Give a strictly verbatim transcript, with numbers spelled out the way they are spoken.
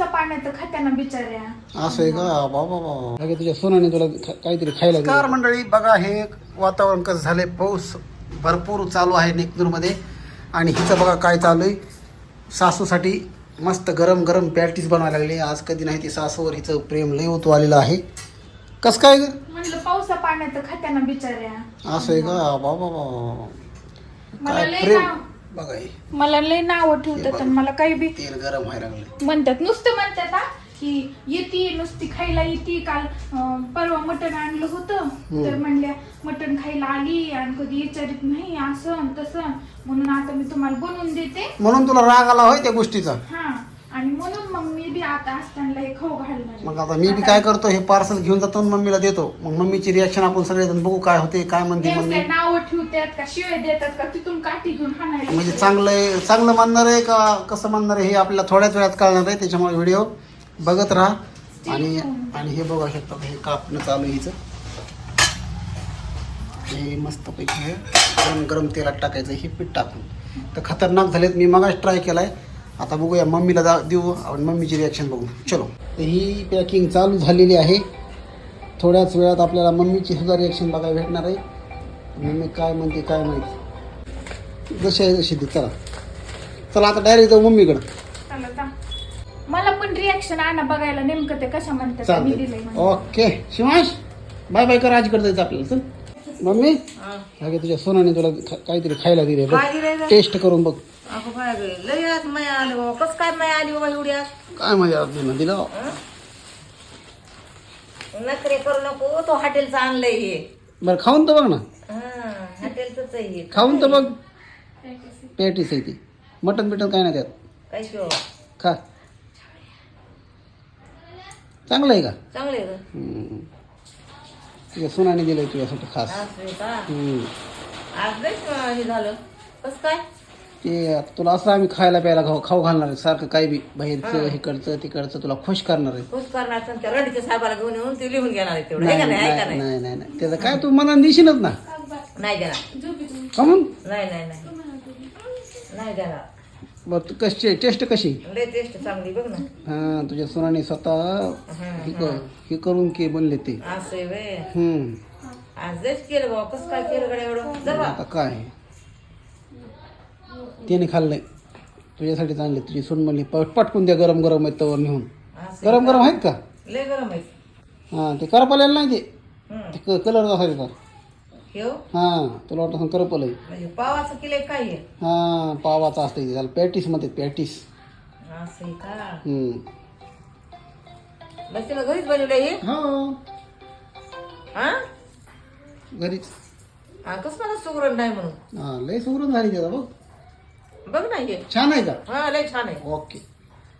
पाण्यात खात्याना बिचाऱ्या. असं आहे का बाबा बाबा तुझ्या सोनाने तुला काहीतरी खायला कार मंडळी बघा हे वातावरण कसं झालंय. पाऊस भरपूर चालू आहे नेकनूरमध्ये आणि हिचं बघा काय चालू आहे. सासूसाठी मस्त गरम गरम पॅटीस बनवायला लागले. आज कधी नाही ती सासूवर हिचं प्रेम लय होतो आलेलं आहे. कसं काय म्हणलं पावसा पाण्यात खात्याना बिचाऱ्या. असं आहे का बाबा बाबा मला काय लय प्रेम नाव बघा हे मला लय नाव ठेवतात आणि मला काही बी तेल गरम व्हायला लागले. म्हणतात नुसतं म्हणतात हा की येते नुसती खायला येते. काल अं, परवा मटण आणलं होतं तर म्हणल्या मटण खायला आली आणि कधी विचारित नाही असं तसं म्हणून आता मी तुम्हाला बनवून देते. म्हणून तुला राग आला होय त्या गोष्टीचा. हा आणि म्हणून मग मी बी आता असताना हे खाऊ घालणार. मग आता मी बी काय करतो हे पार्सल घेऊन जातो आणि मम्मीला देतो. मग मम्मीची रिॲक्शन आपण सगळेजण बघू काय होते काय म्हणते मम्मी. नाव ठेवतात का शिवाय देतात का तिथून काठी घेऊन हाणायला. म्हणजे चांगलं चांगलं मानणार आहे का कसं मानणार आहे हे आपल्याला थोड्याच वेळात कळणार आहे. त्याच्यामुळे व्हिडिओ बघत राहा. आणि आणि हे बघा शकता हे कापणं चालू आहे हिचं. हे मस्तपैकी हे गरम गरम तेलात टाकायचं हे पीठ टाकून. तर खतरनाक झालेत. मी मगाच ट्राय केलाय. आता बघूया मम्मीला जा देऊ आणि मम्मीची रिॲक्शन बघू. चलो ही पॅकिंग चालू झालेली आहे. थोड्याच वेळात आपल्याला मम्मीची सुद्धा रिॲक्शन बघायला भेटणार आहे. मम्मी काय म्हणते काय माहिती. जशी आहे तशी दे. चला चला आता डायरेक्ट जाऊ मम्मीकडं. चला जा. मला पण रिॲक्शन आणा बघायला नेमकं ते कशा म्हणतात मी दिलंय म्हणून. ओके शिवांश बाय बाय कर. आजीकडे जायचं आपल्याला. चल मम्मी अगे तुझ्या सोनाने तुला काहीतरी खायला दिले टेस्ट करून बघ. अगं काय गे लय आज माया आली बाबा. कसं काय माया आली बाबा एवढी आज. काय मजा दिलं नखरे करू नको. तो हॉटेलचं आणलंय हे. बरं खाऊन तर बघ ना. हा हॉटेलच आहे हे. खाऊन तर बघ. पॅटीस आहे ती. मटन बिटन काय नाही त्यात. काय शिव खा चांगलं आहे का. चांगले ग. तुझ्या सोनाने दिलंय तुझ्यासाठी खास. असं का हम्म. आज लय हे झालं. कसं काय ते तुला असं आम्ही खायला प्यायला खाऊ खाऊ घालणार आहे सारखं. काही बी बाहेरचं हिकडचं तिकडचं तुला खुश करणार आहे. खुश करणार. त्या रणके साहेबाला घेऊन येऊन ते लिहून घेणार आहे तेवढं. नाही आहे का नाही आहे का नाही नाही नाही नाही त्याचं काय तू मनाने दिशीनच ना. नाही देणार. का म्हणून नाही नाही नाही नाही देणार. बरं तू कशी टेस्ट कशी. लय टेस्ट चांगली बघ ना. हा तुझ्या सोनाने स्वतः हे कर- हे करून के बनले ते. असं आहे व्हय. हम्म आज लयच केलं बाबा. कसं काय केलं गड्या एवढं. जर आता काय त्याने खाल्लंय तुझ्यासाठी चांगले. तुझी सोन म्हणली पटकून द्या गरम गरम आहेत तवर नेऊन. गरम गरम आहेत का. लय गरम आहे. हा ते करपलेलं नाही ते. हम्म. ते कलर असायचा. ठेव हा तुला वाटतं करपल आहे. म्हणजे पावाचं किलो काय आहे. हा पावाचा असतं ते. त्याला पॅटीस मध्ये पॅटीस. असं आहे का. हम्म मग तिला घरीच बनवलं हे. हो हा घरीच. हा कसं मला सुगरण नाही म्हणून. हा लय सुगरण झाली त्याचा बघ. बघ ना हे. छान आहे का. हा लय छान आहे. ओके